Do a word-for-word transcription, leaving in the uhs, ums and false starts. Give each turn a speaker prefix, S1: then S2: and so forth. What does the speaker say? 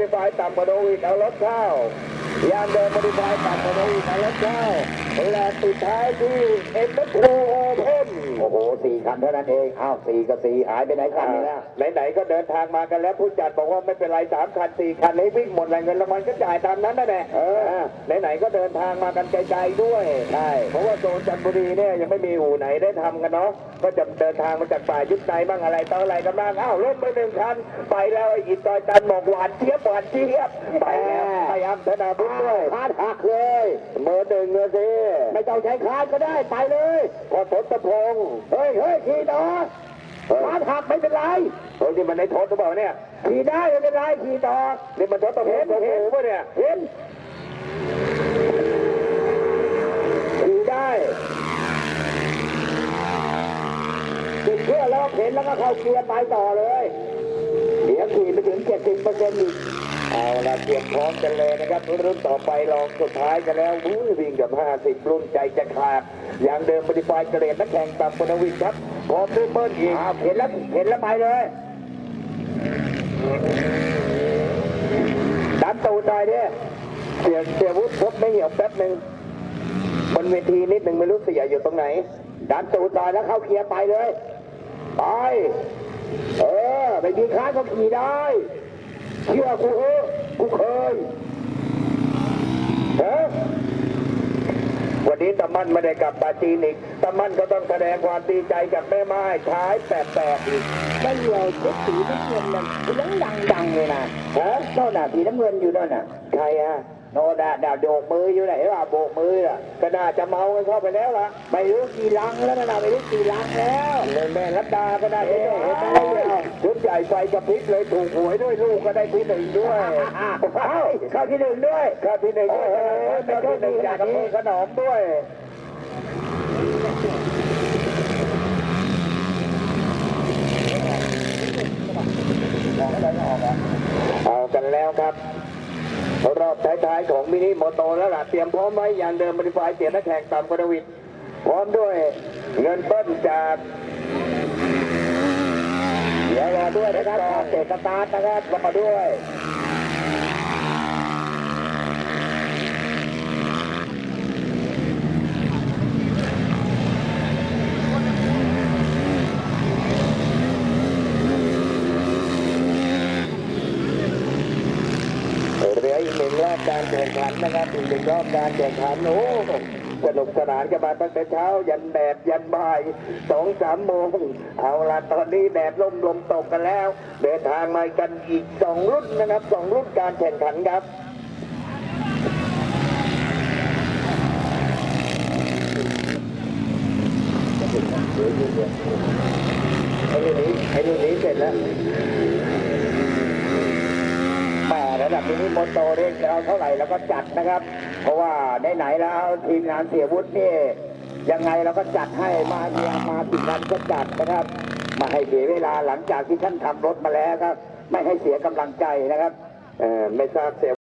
S1: ดิฟายต่ำกว่าโนวิดเอารถเข้ายางเดิมโมดิฟายต่ำกว่าโนวิดเอารถเข้าและสุดท้ายที่เอ็มทูโอเพนโอ้โหสี่คันเท่านั้นเองอ้าวสี่กับสี่หายไปไหนคันนี้แล้วไหนๆก็เดินทางมากันแล้วผู้จัดบอกว่าไม่เป็นไรสามคันสี่คันให้วิ่งหมดเลยเงินรางวัลก็จ่ายตามนั้นนั่นแหละเออไหนๆก็เดินทางมากันไกลๆด้วยใช่เพราะว่าโซนจันทบุรีเนี่ยยังไม่มีอู่ไหนได้ทำกันเนาะก็จะเดินทางมาจากป่ายุทธในบ้างอะไรต่ออะไรกันบ้างอ้าวล้มไปหนึ่งคันไปแล้วไอ้อินตอยตันบอกหวานเจี๊ยบหวานเจี๊ยบไปแล้วพยายามธนาบุญด้วยคาดหักเลยเบอร์หนึ่งเลยสิไม่ต้องใช้คาดก็ได้ไปเลยพอทศพงศ์เฮ้ยเฮ้ยขี่ต่อคาดหักไม่เป็นไรเฮ้ยนี่มันในทศหรือเปล่าเนี่ยขี่ได้ไม่เป็นไรขี่ต่อนี่มันทศพงศ์เห็นป่ะเนี่ยเห็นขี่ได้ติดเพื่อแล้วเห็นแล้วก็เข้าเกียร์ไปต่อเลยเดี๋ยวขี่ไปถึงเจ็ดสิบเปอร์เซ็นต์อีกเอาละเตรียมพร้อมกันเลยนะครับรุ่นต่อไปลองสุดท้ายกันแล้ววิ่งกับห้าสิบรุ่นใจจะขาดอย่างเดิมโมดิฟายเกรดนักแข่งต่ำกว่าวินครับพร้อมด้วยเบิ้ลอีกเห็นแล้วเห็นแล้วไปเลยดันตูดได้เนี่ยเสียเสียวุฒิพบไม่เหี่ยวแป๊บหนึ่งบนเวทีนิดหนึ่งไม่รู้เสียอยู่ตรงไหนดันตูดได้แล้วเข้าเคลียร์ไปเลยไปเออไปดีค้าก็ขี่ได้เชื่อกูเออกูเคยเฮ้ยวันนี้ตะมันไม่ได้กลับปาจีนอีกตะมันก็ต้องแสดงความดีใจกับแม่ไม้ท้ายแปดๆอีกไม่เหนื่อยเช็ดสีน้ำเงินนั่นยังดังๆเลยนะฮะโน่นน่ะสีน้ำเงินอยู่โน่นน่ะใครฮะโน่นน่ะดาวโบกมืออยู่ไหนวะโบกมืออ่ะก็น่าจะเมากันเข้าไปแล้วล่ะไม่รู้กี่ลังแล้วนะไม่รู้กี่ลังแล้วแม่รัตดาก็ได้เห็นไหมชุดใหญ่ไฟกระพริบเลยถูกหวยด้วยลูกก็ได้ที่หนึ่งด้วยเข้าที่หนึ่งด้วยเข้าที่หนึ่งด้วยเป็นที่หนึ่งจากอำเภอขนอมด้วยเอากันแล้วครับรอบท้ายๆของมินิโมโตแล้วล่ะเตรียมพร้อมไว้อย่างเดิมบริฟายเสียนักแข่งต่ำกว่าวินพร้อมด้วยเงินเปิ้ลจากเดี๋ยวรอด้วยนะครับเตะสตาร์ทนะครับรอด้วยเหลืออีกหนึ่งรอบการแข่งขันนะครับอีกหนึ่งรอบการแข่งขันโอ้สนุกสนานกันมาตั้งแต่เช้ายันแดดยันบ่ายสองสามโมงเอาละตอนนี้แดดลมลมตกกันแล้วเดินทางมากันอีกสองรุ่นนะครับสองรุ่นการแข่งขันครับไอ้รุ่นนี้ไอ้รุ่นนี้เสร็จแล้วระดับมินิโมโตเรียกจะเอาเท่าไหร่แล้วก็จัดนะครับเพราะว่าไหนๆแล้วทีมงานเสียวุฒินี่ยังไงเราก็จัดให้มาเมียมาติดกันก็จัดนะครับมาให้เสียเวลาหลังจากที่ท่านทำรถมาแล้วครับไม่ให้เสียกำลังใจนะครับเออไม่ทราบเสีย